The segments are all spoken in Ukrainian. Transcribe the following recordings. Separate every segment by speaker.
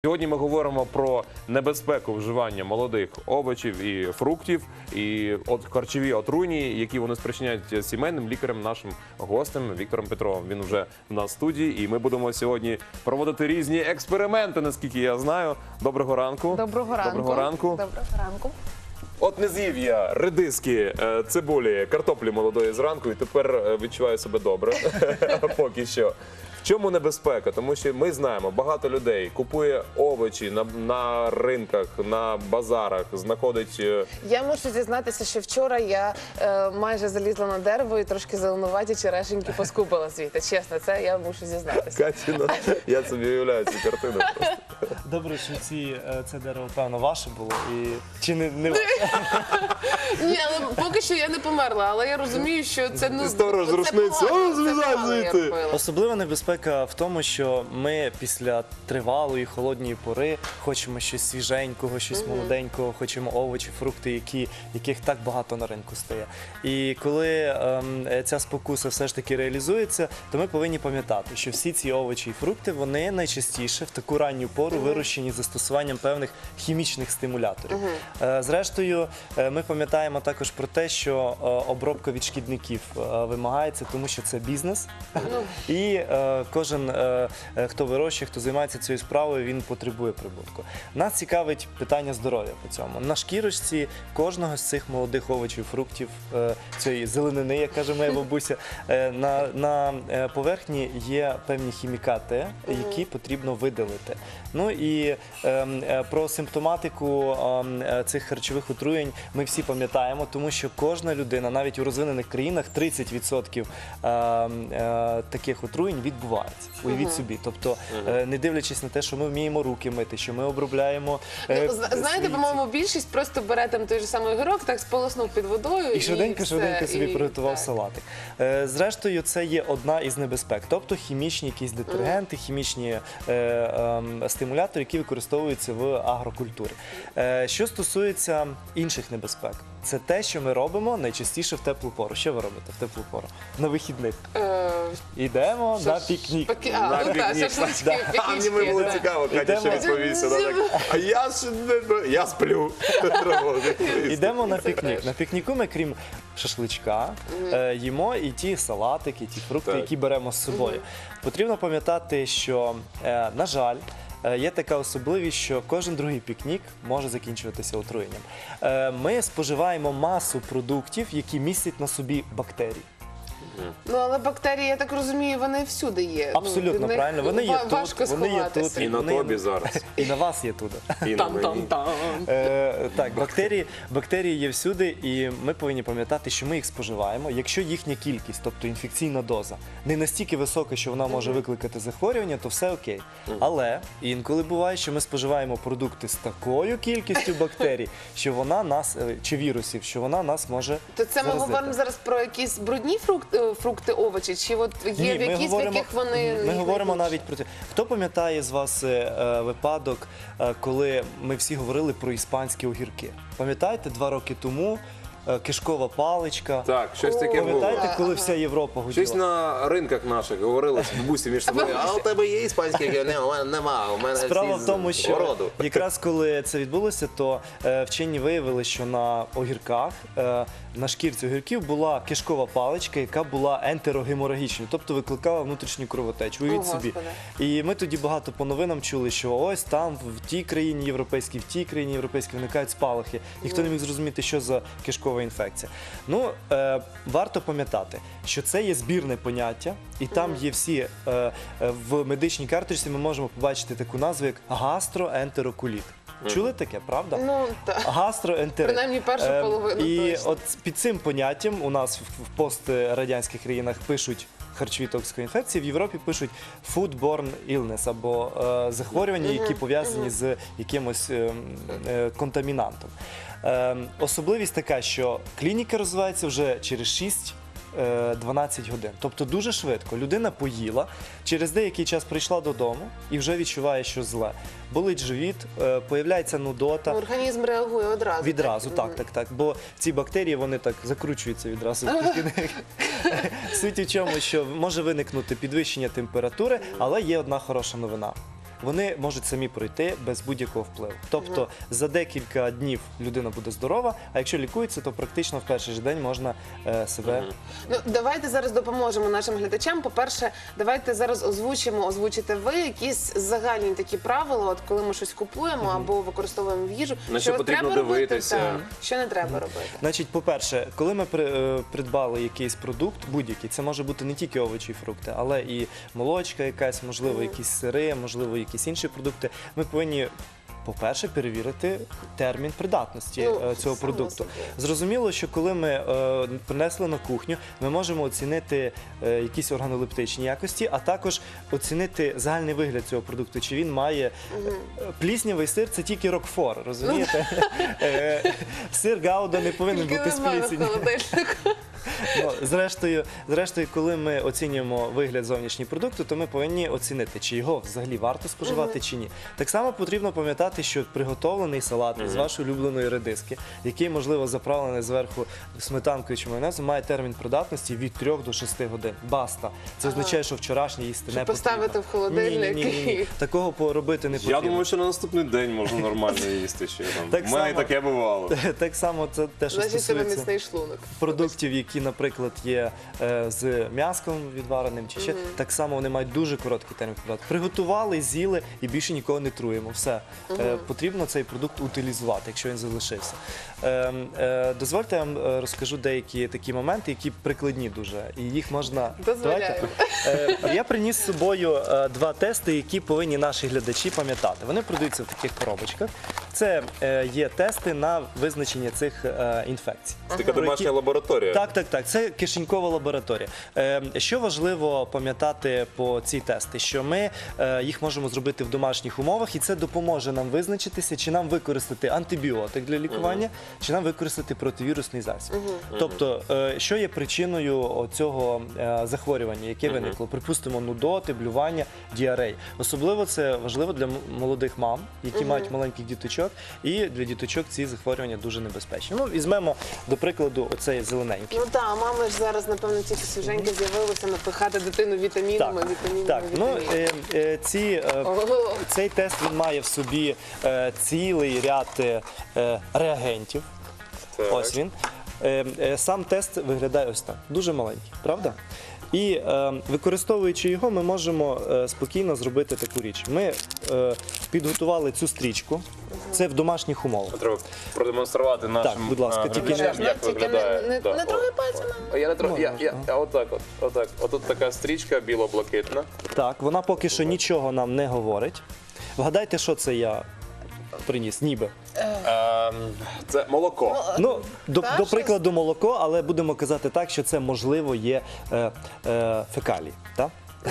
Speaker 1: Сьогодні ми говоримо про небезпеку вживання молодих овочів і фруктів, і харчові отруйні, які вони спричиняють сімейним лікарем, нашим гостем Віктором Петровим. Він вже на студії, і ми будемо сьогодні проводити різні експерименти, наскільки я знаю. Доброго ранку.
Speaker 2: Доброго ранку.
Speaker 1: Доброго ранку.
Speaker 2: Доброго ранку.
Speaker 1: От не з'їв я редиски, цибулі, картоплі молодої зранку, і тепер відчуваю себе добре, поки що. В чому небезпека? Тому що ми знаємо, багато людей купує овочі на ринках, на базарах, знаходить...
Speaker 2: Я мушу зізнатися, що вчора я майже залізла на дерево і трошки зеленуваті черешеньки поскупила звідти. Чесно, це я мушу зізнатися.
Speaker 1: Катіна, я собі уявляю цю картину просто.
Speaker 3: Добре, що це дерево, певно, ваше було, чи не ваше?
Speaker 2: Ні, але поки що я не померла, але я розумію, що це...
Speaker 1: Сторож з рушниці, злізай звідти!
Speaker 3: Особлива небезпека в тому, що ми після тривалої холодної пори хочемо щось свіженького, щось молоденького, хочемо овочі, фрукти, яких так багато на ринку стає. І коли ця спокуса все ж таки реалізується, то ми повинні пам'ятати, що всі ці овочі і фрукти, вони найчастіше в таку ранню пору вирощені застосуванням певних хімічних стимуляторів. Зрештою, ми пам'ятаємо також про те, що обробка від шкідників вимагається, тому що це бізнес. І кожен, хто вирощує, хто займається цією справою, він потребує прибутку. Нас цікавить питання здоров'я по цьому. На шкірочці кожного з цих молодих овочів, фруктів, цієї зеленини, як каже моя бабуся, на поверхні є певні хімікати, які потрібно видалити. Ну і про симптоматику цих харчових отруєнь ми всі пам'ятаємо, тому що кожна людина, навіть у розвинених країнах, 30% таких отруєнь відбувається. Уявіть собі. Тобто, не дивлячись на те, що ми вміємо руки мити, що ми обробляємо...
Speaker 2: Знаєте, по-моєму, більшість просто бере там той же самий огірок, так сполоснув під водою
Speaker 3: і швиденько собі приготував салатик. Зрештою, це є одна із небезпек. Тобто хімічні якісь детергенти, хімічні стимулятори, які використовуються в агрокультурі. Що стосується інших небезпек, це те, що ми робимо найчастіше в теплу пору. Що ви робите в теплу пору? На вихідних. Йдемо на пікнік.
Speaker 1: На пікнік. А мені було цікаво, Катя ще відповісти. А я сплю.
Speaker 3: Йдемо на пікнік. На пікніку ми, крім шашличка, їмо і ті салатики, і ті фрукти, які беремо з собою. Потрібно пам'ятати, що, на жаль, є така особливість, що кожен другий пікнік може закінчуватися отруєнням. Ми споживаємо масу продуктів, які містять на собі бактерії.
Speaker 2: Ну, але бактерії, я так розумію, вони всюди є.
Speaker 3: Абсолютно правильно. Вони є тут, вони є тут.
Speaker 1: І на тобі зараз.
Speaker 3: І на вас є тут.
Speaker 1: І на мені.
Speaker 3: Так, бактерії є всюди, і ми повинні пам'ятати, що ми їх споживаємо. Якщо їхня кількість, тобто інфекційна доза, не настільки висока, що вона може викликати захворювання, то все окей. Але інколи буває, що ми споживаємо продукти з такою кількістю бактерій, що вона нас, чи вірусів, що вона нас може
Speaker 2: То це ми
Speaker 3: заразити.
Speaker 2: говоримо зараз про якісь брудні фрукти, овочі, чи от є в якісь, в яких вони...
Speaker 3: Ми говоримо навіть про те. Хто пам'ятає з вас випадок, коли ми всі говорили про іспанські огірки? Пам'ятаєте, 2 роки тому кишкова паличка?
Speaker 1: Так, щось таке було.
Speaker 3: Пам'ятаєте, коли вся Європа гуділа?
Speaker 1: Щось на ринках наших говорили бабусі між собою, а у тебе є іспанські огірки? У мене нема, у мене
Speaker 3: Справа
Speaker 1: всі
Speaker 3: в тому,
Speaker 1: з
Speaker 3: що
Speaker 1: городу.
Speaker 3: якраз коли це відбулося, то вчені виявили, що на огірках, на шкірці огірків була кишкова паличка, яка була ентерогеморагічною, тобто викликала внутрішню кровотечу. Уявіть собі. І ми тоді багато по новинам чули, що ось там в тій країні європейській, в тій країні європейській виникають спалахи. Ніхто не міг зрозуміти, що за кишкова інфекція. Ну, варто пам'ятати, що це є збірне поняття, і там є всі, в медичній карточці ми можемо побачити таку назву, як гастроентерокуліт. Чули таке, правда?
Speaker 2: Ну, так.
Speaker 3: Гастроентерит.
Speaker 2: Принаймні першу половину
Speaker 3: І
Speaker 2: точно.
Speaker 3: от під цим поняттям у нас в пострадянських країнах пишуть харчові токсикоінфекції, в Європі пишуть foodborne illness, або захворювання, які пов'язані з якимось контамінантом. Особливість така, що клініка розвивається вже через 6-12 годин. Тобто дуже швидко. Людина поїла, через деякий час прийшла додому і вже відчуває, що зле. Болить живіт, появляється нудота.
Speaker 2: Організм реагує одразу.
Speaker 3: Відразу, так. Бо ці бактерії, вони так закручуються відразу. Суть у чому, що може виникнути підвищення температури, але є одна хороша новина. вони можуть самі пройти без будь-якого впливу. Тобто за декілька днів людина буде здорова, а якщо лікується, то практично в перший же день можна себе.
Speaker 2: Ну, давайте зараз допоможемо нашим глядачам. По-перше, давайте зараз озвучите ви якісь загальні такі правила, от коли ми щось купуємо або використовуємо в їжу.
Speaker 1: На що
Speaker 2: от
Speaker 1: потрібно
Speaker 2: треба робити,
Speaker 1: дивитися.
Speaker 2: так, що не треба робити.
Speaker 3: Значить, по-перше, коли ми придбали якийсь продукт, будь-який, це може бути не тільки овочі і фрукти, але і молочка якась, можливо, якісь сири, можливо, якісь інші продукти, ми повинні, по-перше, перевірити термін придатності цього
Speaker 2: само
Speaker 3: продукту.
Speaker 2: собою.
Speaker 3: Зрозуміло, що коли ми принесли на кухню, ми можемо оцінити якісь органолептичні якості, а також оцінити загальний вигляд цього продукту. Чи він має пліснявий сир, це тільки рокфор, розумієте? Сир Гауда не повинен
Speaker 2: Тільки
Speaker 3: бути з
Speaker 2: немає в
Speaker 3: плісінню.
Speaker 2: холодильнику.
Speaker 3: Ну, зрештою, коли ми оцінюємо вигляд зовнішнього продукту, то ми повинні оцінити, чи його взагалі варто споживати, чи ні. Так само потрібно пам'ятати, що приготовлений салат з вашої улюбленої редиски, який, можливо, заправлений зверху сметанкою чи майонезом, має термін придатності від 3 до 6 годин. Баста. Це означає, що вчорашнє їсти не
Speaker 2: Щоб
Speaker 3: потрібно.
Speaker 2: поставити в холодильник
Speaker 3: Ні. Такого поробити не потрібно.
Speaker 1: Я думаю, що на наступний день можна нормально їсти ще.
Speaker 3: Так
Speaker 1: У мене
Speaker 3: само.
Speaker 1: таке бувало.
Speaker 3: Так само це те, що
Speaker 2: Значить, тебе
Speaker 3: стосується
Speaker 2: міцний шлунок.
Speaker 3: продуктів, які, наприклад, є з м'яском відвареним, чи ще так само вони мають дуже короткий термін придатку. Приготували, з'їли і більше нікого не труємо. Все. Потрібно цей продукт утилізувати, якщо він залишився. Дозвольте, я вам розкажу деякі такі моменти, які прикладні дуже. І їх можна...
Speaker 2: Дозволяємо.
Speaker 3: Я приніс з собою 2 тести, які повинні наші глядачі пам'ятати. Вони продаються в таких коробочках. Це є тести на визначення цих інфекцій.
Speaker 1: Це така домашня лабораторія.
Speaker 3: Так. Це кишенькова лабораторія. Що важливо пам'ятати по ці тести? Що ми їх можемо зробити в домашніх умовах, і це допоможе нам визначитися, чи нам використати антибіотик для лікування, чи нам використати противірусний засіб. Тобто, що є причиною цього захворювання, яке виникло? Припустимо, нудоти, блювання, діарей. Особливо це важливо для молодих мам, які мають маленьких діточок, і для діточок ці захворювання дуже небезпечні. Ну, візьмемо, до прикладу, оцей зелененький.
Speaker 2: Ну так, мами ж зараз, напевно, тільки свіженько з'явилися напихати дитину вітамінами.
Speaker 3: Цей тест він має в собі цілий ряд реагентів.
Speaker 1: Так.
Speaker 3: Ось він. Сам тест виглядає ось так. Дуже маленький, правда? І використовуючи його, ми можемо спокійно зробити таку річ. Ми підготували цю стрічку. Це в домашніх умовах.
Speaker 1: Треба продемонструвати нашим
Speaker 3: Так, будь ласка, тільки
Speaker 1: глядачам, як
Speaker 2: Тільки
Speaker 1: виглядає.
Speaker 2: не
Speaker 1: Да,
Speaker 2: трогай
Speaker 1: о.
Speaker 2: пальцями.
Speaker 1: Я не трохи.
Speaker 3: Можна,
Speaker 1: Отак. Отут така стрічка біло-блакитна.
Speaker 3: Так, вона поки що нічого нам не говорить. Вгадайте, що це я приніс, ніби.
Speaker 1: Це молоко.
Speaker 3: Ну, до
Speaker 2: щось?
Speaker 3: прикладу, молоко, але будемо казати так, що це, можливо, є фекалії. Так?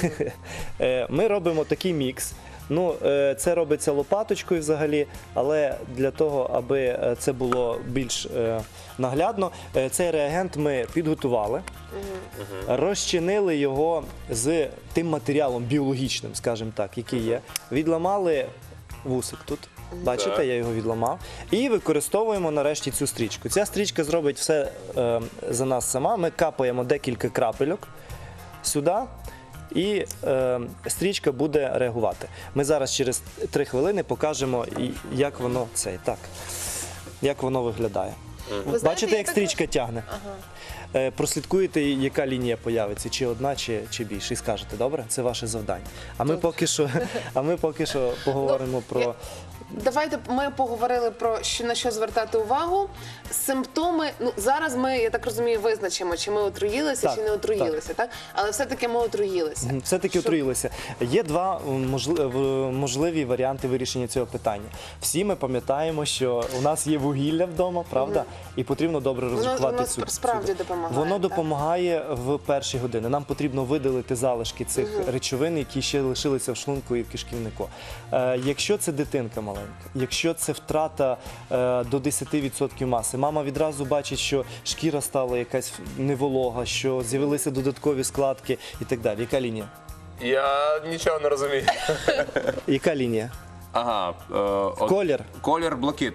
Speaker 3: Ми робимо такий мікс. Ну, це робиться лопаточкою взагалі, але для того, аби це було більш наглядно, цей реагент ми підготували, розчинили його з тим матеріалом біологічним, скажімо так, який є, відламали вусик тут. Бачите,
Speaker 1: Так.
Speaker 3: я його відламав. І використовуємо нарешті цю стрічку. Ця стрічка зробить все за нас сама. Ми капаємо декілька крапельок сюди. І стрічка буде реагувати. Ми зараз через 3 хвилини покажемо, як воно як воно виглядає.
Speaker 2: знаєте,
Speaker 3: Бачите,
Speaker 2: я
Speaker 3: як
Speaker 2: так-
Speaker 3: стрічка тягне? Прослідкуєте, яка лінія появиться, чи одна, чи більше, і скажете, добре? Це ваше завдання. А ми поки що поговоримо про...
Speaker 2: Давайте ми поговорили про на що звертати увагу. Симптоми. Ну зараз ми, я так розумію, визначимо, чи ми отруїлися,
Speaker 3: Так,
Speaker 2: чи не отруїлися, так? Але все-таки ми отруїлися.
Speaker 3: Все-таки отруїлися. Є 2 можливі варіанти вирішення цього питання. Всі ми пам'ятаємо, що у нас є вугілля вдома, правда? І потрібно добре розрахувати
Speaker 2: Воно
Speaker 3: цю
Speaker 2: справді допомагає.
Speaker 3: Воно
Speaker 2: так?
Speaker 3: допомагає в перші години. Нам потрібно видалити залишки цих речовин, які ще лишилися в шлунку і в кишківнику. Якщо це дитинка маленька, якщо це втрата до 10% маси, мама відразу бачить, що шкіра стала якась неволога, що з'явилися додаткові складки і так далі. Яка лінія?
Speaker 1: Я нічого не розумію.
Speaker 3: Яка лінія?
Speaker 1: Ага.
Speaker 3: Колір?
Speaker 1: Колір блакитний.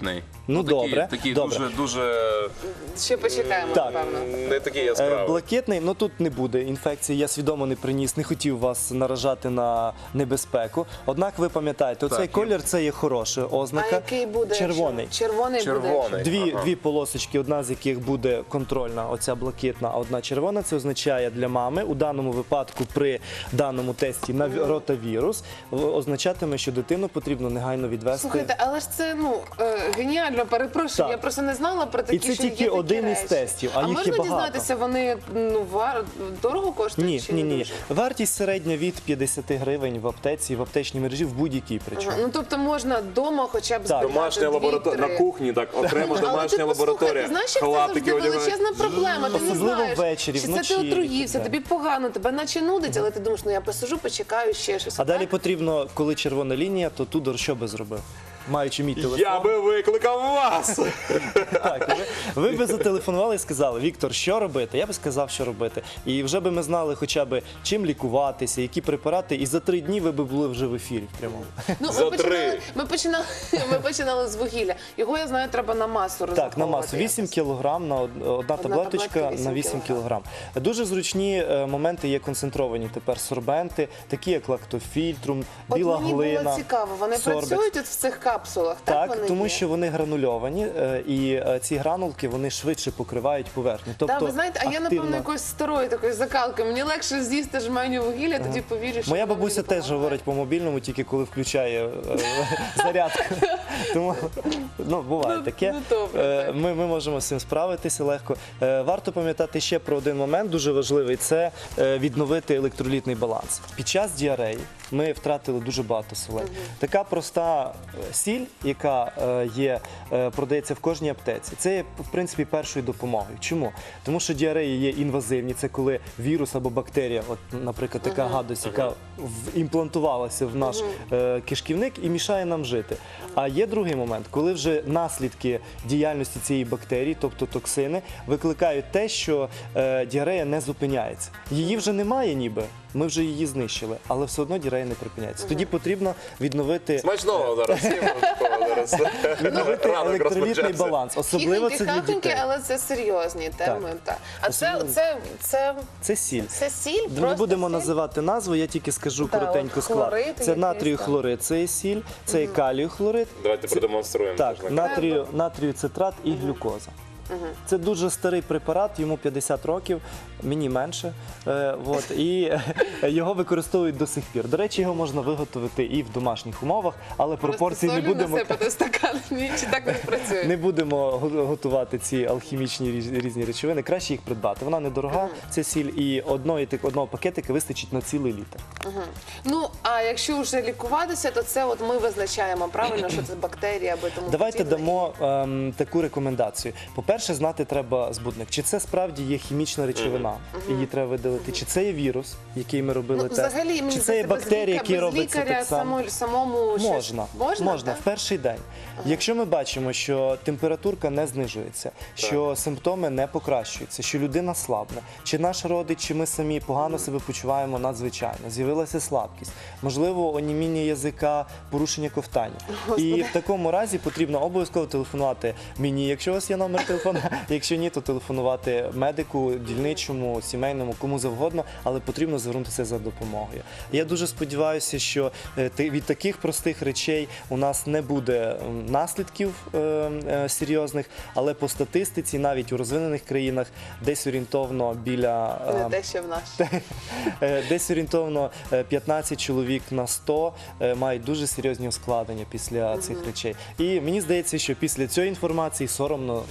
Speaker 3: Ну, добре.
Speaker 1: Такі
Speaker 3: добре.
Speaker 1: дуже
Speaker 2: Ще почекаємо,
Speaker 3: Так.
Speaker 2: напевно.
Speaker 1: не такі яскраві.
Speaker 3: Блакитний, ну тут не буде інфекції, я свідомо не приніс, не хотів вас наражати на небезпеку. Однак ви пам'ятаєте, оцей
Speaker 1: Так,
Speaker 3: колір це є хороша
Speaker 2: А
Speaker 3: ознака.
Speaker 2: який буде?
Speaker 3: Червоний.
Speaker 2: якщо? Червоний буде.
Speaker 1: Червоний.
Speaker 3: Дві полосочки, одна з яких буде контрольна, оця блакитна, а одна червона. Це означає для мами у даному випадку при даному тесті на ротавірус означатиме, що дитину потрібно негайно відвести.
Speaker 2: Слухайте, але ж це геніально, перепрошую.
Speaker 3: Так.
Speaker 2: Я просто не знала про такі,
Speaker 3: І це
Speaker 2: що є
Speaker 3: тільки
Speaker 2: такі
Speaker 3: один із
Speaker 2: речі.
Speaker 3: тестів, а їх є
Speaker 2: можна
Speaker 3: багато.
Speaker 2: дізнатися, вони дорого коштують?
Speaker 3: Ні,
Speaker 2: чи
Speaker 3: ні,
Speaker 2: не
Speaker 3: ні.
Speaker 2: дуже?
Speaker 3: Вартість середня від 50 гривень в аптеці, в аптечній мережі в будь-якій причому.
Speaker 2: Ну тобто можна вдома хоча б збирати
Speaker 1: Домашня лабораторія, на кухні, так, окремо
Speaker 2: Але
Speaker 1: домашня
Speaker 2: ти
Speaker 1: лабораторія.
Speaker 2: послухай, знаєш, як це
Speaker 1: Халатики
Speaker 2: завжди
Speaker 1: одягають.
Speaker 2: величезна проблема. Ти не
Speaker 3: Особливо
Speaker 2: знаєш,
Speaker 3: ввечері,
Speaker 2: чи це
Speaker 3: вночі.
Speaker 2: ти отруївся,
Speaker 3: Так.
Speaker 2: тобі погано, тебе наче нудить, але ти думаєш, ну я посижу, почекаю ще щось.
Speaker 3: А далі
Speaker 2: так?
Speaker 3: потрібно, коли червона лінія, то Тудор що би зробив? Маючи мій телефон.
Speaker 1: Я би викликав вас!
Speaker 3: Так, ви би зателефонували і сказали, Віктор, що робити? Я би сказав, що робити. І вже би ми знали хоча б чим лікуватися, які препарати, і за 3 дні ви би були вже в ефірі в прямому.
Speaker 2: Ну,
Speaker 1: За
Speaker 2: ми починали з вугілля. Його, я знаю, треба на масу
Speaker 3: Так,
Speaker 2: розраховувати.
Speaker 3: на масу 8 кг на одна таблеточка
Speaker 2: таблетка
Speaker 3: на 8 кг. Дуже зручні моменти є концентровані тепер сорбенти, такі як лактофільтрум,
Speaker 2: От
Speaker 3: біла
Speaker 2: мені
Speaker 3: глина.
Speaker 2: було цікаво, вони
Speaker 3: сорбекс.
Speaker 2: працюють от в цих капсулах, так?
Speaker 3: Так,
Speaker 2: вони
Speaker 3: тому
Speaker 2: є?
Speaker 3: що вони гранульовані, і ці гранулки вони швидше покривають поверхню. Тобто,
Speaker 2: Так, ви знаєте, а я, напевно, якоюсь старою такою закалкою. Мені легше з'їсти жменю вугілля, тоді повірю, що
Speaker 3: Моя
Speaker 2: воно
Speaker 3: бабуся
Speaker 2: мені
Speaker 3: теж
Speaker 2: допомагає.
Speaker 3: говорить по мобільному, тільки коли включає зарядку. Тому буває таке.
Speaker 2: ну, добре,
Speaker 3: Ми можемо з цим справитися легко. Варто пам'ятати ще про один момент, дуже важливий, це відновити електролітний баланс. Під час діареї ми втратили дуже багато солей. Така проста сіль, яка продається в кожній аптеці, це є, в принципі, першою допомогою. Чому? Тому що діареї є інвазивні, це коли вірус або бактерія, от, наприклад, така гадость, яка імплантувалася в наш кишківник і мішає нам жити. А є другий момент, коли вже наслідки діяльності цієї бактерії, тобто токсини, викликають те, що діарея не зупиняється. Її вже немає ніби, ми вже її знищили, але все одно діарея не припиняється. Тоді потрібно відновити
Speaker 1: Смачного зараз, всім такого зараз. Ранок
Speaker 3: електролітний
Speaker 1: розпочався.
Speaker 3: баланс. Особливо це для
Speaker 2: Хіхоньки,
Speaker 3: дітей.
Speaker 2: але це серйозні теми. Так. А
Speaker 3: Це сіль.
Speaker 2: це сіль?
Speaker 3: Ми не
Speaker 2: просто
Speaker 3: будемо
Speaker 2: сіль?
Speaker 3: називати назву, я тільки скажу
Speaker 2: Так,
Speaker 3: коротенько
Speaker 2: от
Speaker 3: склад.
Speaker 2: хлорид
Speaker 3: Це
Speaker 2: якийсь,
Speaker 3: натрію
Speaker 2: так.
Speaker 3: хлорид, це є сіль, це є калію хлорид,
Speaker 1: Давайте продемонструємо.
Speaker 3: так,
Speaker 1: теж на
Speaker 3: натрію цитрат і глюкоза. Це дуже старий препарат, йому 50 років, мені менше. І його використовують до сих пір. До речі, його можна виготовити і в домашніх умовах, але пропорції
Speaker 2: Просто
Speaker 3: не
Speaker 2: солі
Speaker 3: будемо.
Speaker 2: насипати в стакан, ні, чи так не працює?
Speaker 3: Не будемо готувати ці алхімічні різні речовини. Краще їх придбати. Вона недорога, ця сіль, і одного пакетика вистачить на цілий літр.
Speaker 2: Ну, а якщо вже лікуватися, то це от ми визначаємо правильно, що це бактерія або тому
Speaker 3: Давайте
Speaker 2: подібне.
Speaker 3: дамо таку рекомендацію. По-перше, знати треба збудник. Чи це справді є хімічна речовина, її треба видалити, чи це є вірус, який ми робили тест,
Speaker 2: взагалі, мені
Speaker 3: чи це є
Speaker 2: здається,
Speaker 3: бактерії, які
Speaker 2: без
Speaker 3: робляться
Speaker 2: лікаря
Speaker 3: так само.
Speaker 2: самому щось-
Speaker 3: Можна,
Speaker 2: так?
Speaker 3: в перший день. Якщо ми бачимо, що температурка не знижується, що симптоми не покращуються, що людина слабне, чи наш родич, чи ми самі погано себе почуваємо надзвичайно, з'явилася слабкість, можливо, оніміння язика, порушення ковтання. І в такому разі потрібно обов'язково телефонувати мені, якщо у вас є номер телефону, якщо ні, то телефонувати медику, дільничому, сімейному, кому завгодно, але потрібно звернутися за допомогою. Я дуже сподіваюся, що від таких простих речей у нас не буде наслідків серйозних, але по статистиці, навіть у розвинених країнах, десь орієнтовно біля
Speaker 2: Не те, що в нас.
Speaker 3: десь орієнтовно 15 чоловік на 100 мають дуже серйозні ускладнення після цих речей. І мені здається, що після цієї інформації соромно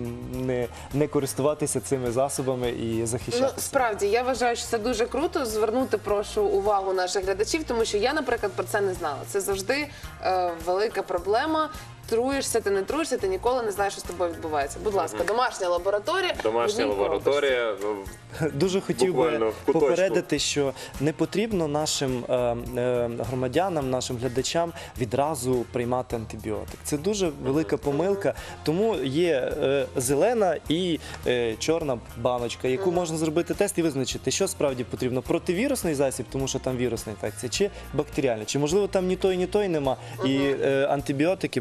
Speaker 3: не користуватися цими засобами і
Speaker 2: Ну,
Speaker 3: захищатися.
Speaker 2: справді, я вважаю, що це дуже круто. Звернути, прошу, увагу наших глядачів, тому що я, наприклад, про це не знала. Це завжди велика проблема. Труєшся, ти не труєшся, ти ніколи не знаєш, що з тобою відбувається. Будь ласка, домашня лабораторія.
Speaker 1: Домашня
Speaker 2: в одній коробочці.
Speaker 1: лабораторія.
Speaker 3: Дуже хотів
Speaker 1: Буквально
Speaker 3: би
Speaker 1: в куточку.
Speaker 3: попередити, що не потрібно нашим громадянам, нашим глядачам відразу приймати антибіотик. Це дуже велика помилка, тому є зелена і чорна баночка, яку можна зробити тест і визначити, що справді потрібно. Противірусний засіб, тому що там вірусна інфекція, чи бактеріальна, чи можливо там ні той нема, і антибіотики будуть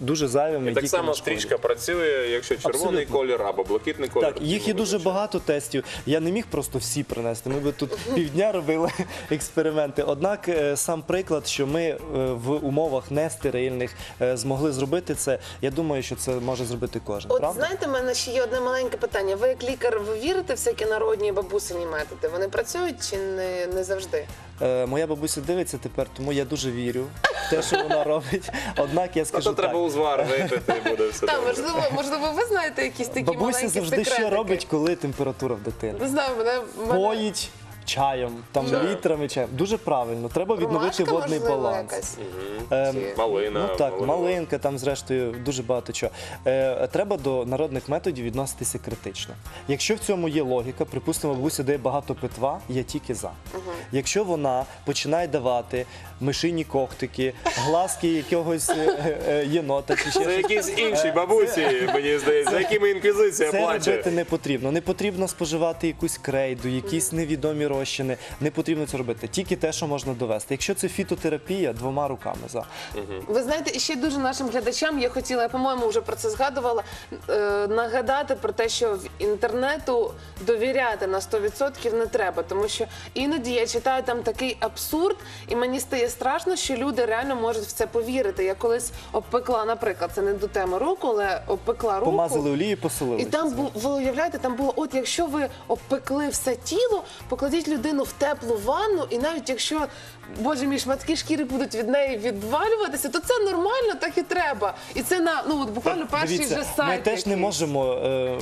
Speaker 3: дуже зайвими.
Speaker 1: І так
Speaker 3: тільки
Speaker 1: само
Speaker 3: нашкодять.
Speaker 1: стрічка працює, якщо червоний
Speaker 3: Абсолютно.
Speaker 1: колір або блакитний колір.
Speaker 3: Так, їх є дуже багато тестів. Я не міг просто всі принести. Ми би тут півдня робили експерименти. Однак сам приклад, що ми в умовах нестерильних змогли зробити це, я думаю, що це може зробити кожен.
Speaker 2: От
Speaker 3: Правда?
Speaker 2: знаєте, в мене ще є одне маленьке питання. Ви як лікар, ви вірите в всякі народні бабусині методи? Вони працюють чи не завжди?
Speaker 3: Моя бабуся дивиться тепер, тому я дуже вірю в те, що вона робить. Однак я
Speaker 1: А
Speaker 3: скажу
Speaker 1: то
Speaker 3: так.
Speaker 1: треба узвар випити, і буде все
Speaker 2: Так,
Speaker 1: добре.
Speaker 2: можливо, ви знаєте якісь такі
Speaker 3: Бабуся
Speaker 2: маленькі
Speaker 3: завжди
Speaker 2: секретики?
Speaker 3: що робить, коли температура в дитини.
Speaker 2: Не знаю, мене...
Speaker 3: Поїть чаєм, там
Speaker 1: Чаєм.
Speaker 3: літрами чаєм. Дуже правильно. Треба відновити
Speaker 2: Ромашка,
Speaker 3: водний
Speaker 2: можливо,
Speaker 3: баланс.
Speaker 2: якась?
Speaker 3: Ем,
Speaker 1: Малина.
Speaker 3: Ну так, малинка, там зрештою дуже багато чого. Треба до народних методів відноситися критично. Якщо в цьому є логіка, припустимо, бабуся дає багато питва, я тільки за. Якщо вона починає давати мишині когтики, глазки якогось єнота чи ще
Speaker 1: Це
Speaker 3: щось,
Speaker 1: якісь інші бабусі, мені здається, за якими інквізиція
Speaker 3: це
Speaker 1: плаче.
Speaker 3: робити не потрібно. Не потрібно споживати якусь крейду, якісь невідомі розчини. Не потрібно це робити. Тільки те, що можна довести. Якщо це фітотерапія, 2 руками за.
Speaker 2: Ви знаєте, і ще дуже нашим глядачам я хотіла, я, по-моєму, вже про це згадувала, нагадати про те, що в інтернету довіряти на 100% не треба, тому що іноді я читаю там такий абсурд, і мені стає страшно, що люди реально можуть в це повірити. Я колись обпекла, наприклад, це не до теми руку, але обпекла руку.
Speaker 3: Помазали олію, посолили.
Speaker 2: І там ви уявляєте, там було, от якщо ви обпекли все тіло, покладіть людину в теплу ванну, і навіть якщо, боже мій, шматки шкіри будуть від неї відвалюватися, то це нормально, так і треба. І це на от буквально перший
Speaker 3: Дивіться,
Speaker 2: вже сайт.
Speaker 3: ми теж не
Speaker 2: якийсь.
Speaker 3: можемо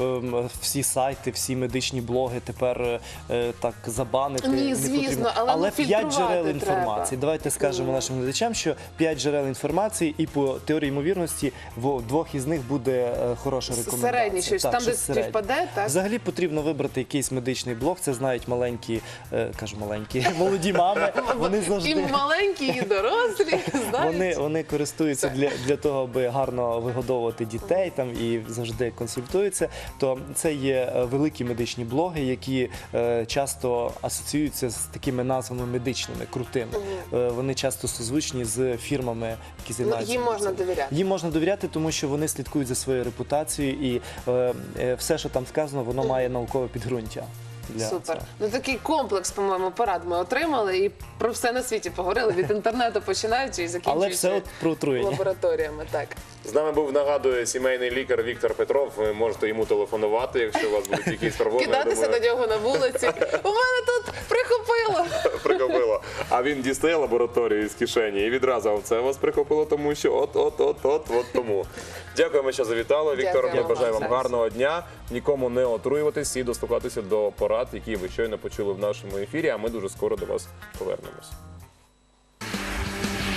Speaker 3: всі сайти, всі медичні блоги тепер так забанити.
Speaker 2: Ні,
Speaker 3: не
Speaker 2: звісно,
Speaker 3: потрібно.
Speaker 2: але 5
Speaker 3: 5 джерел
Speaker 2: треба.
Speaker 3: інформації. Давайте скажемо нашим глядачам, що 5 джерел інформації, і по теорії ймовірності в 2 із них буде хороша рекомендація.
Speaker 2: Середній щось,
Speaker 3: Так,
Speaker 2: там, де
Speaker 3: щось середнє.
Speaker 2: співпаде, так?
Speaker 3: Взагалі потрібно вибрати якийсь медичний блог. Це знають маленькі, кажу маленькі, молоді мами. Вони
Speaker 2: І
Speaker 3: завжди.
Speaker 2: маленькі, і дорослі, знають.
Speaker 3: Вони користуються для того, аби гарно вигодовувати дітей там і завжди консультуються. То це є великі медичні блоги, які часто асоціюються з такими назвами медичними, крутими. Вони часто созвучні з фірмами, які займаються.
Speaker 2: Їм можна довіряти.
Speaker 3: Їм можна довіряти, тому що вони слідкують за своєю репутацією, і все, що там сказано, воно має наукове підґрунтя. Для
Speaker 2: Супер.
Speaker 3: цього.
Speaker 2: Ну такий комплекс, по-моєму, порад ми отримали і про все на світі поговорили від інтернету, починаючи і
Speaker 3: Але все
Speaker 2: закінчуючи
Speaker 3: от про отруєння.
Speaker 2: лабораторіями. Так.
Speaker 1: З нами був, нагадую, сімейний лікар Віктор Петров. Ви можете йому телефонувати, якщо у вас будуть якісь проблеми. я
Speaker 2: Кидатися
Speaker 1: думаю,
Speaker 2: на нього на вулиці. У мене тут прихопило.
Speaker 1: прихопило. А він дістає лабораторію з кишені і відразу це вас прихопило, тому що от тому. Дякуємо, що завітали. Віктор, я
Speaker 2: Дякуємо
Speaker 1: бажаю
Speaker 2: вам.
Speaker 1: вам гарного дня. Нікому не отруюватись і дослухатися до порад, які ви щойно почули в нашому ефірі, а ми дуже скоро до вас повернемось.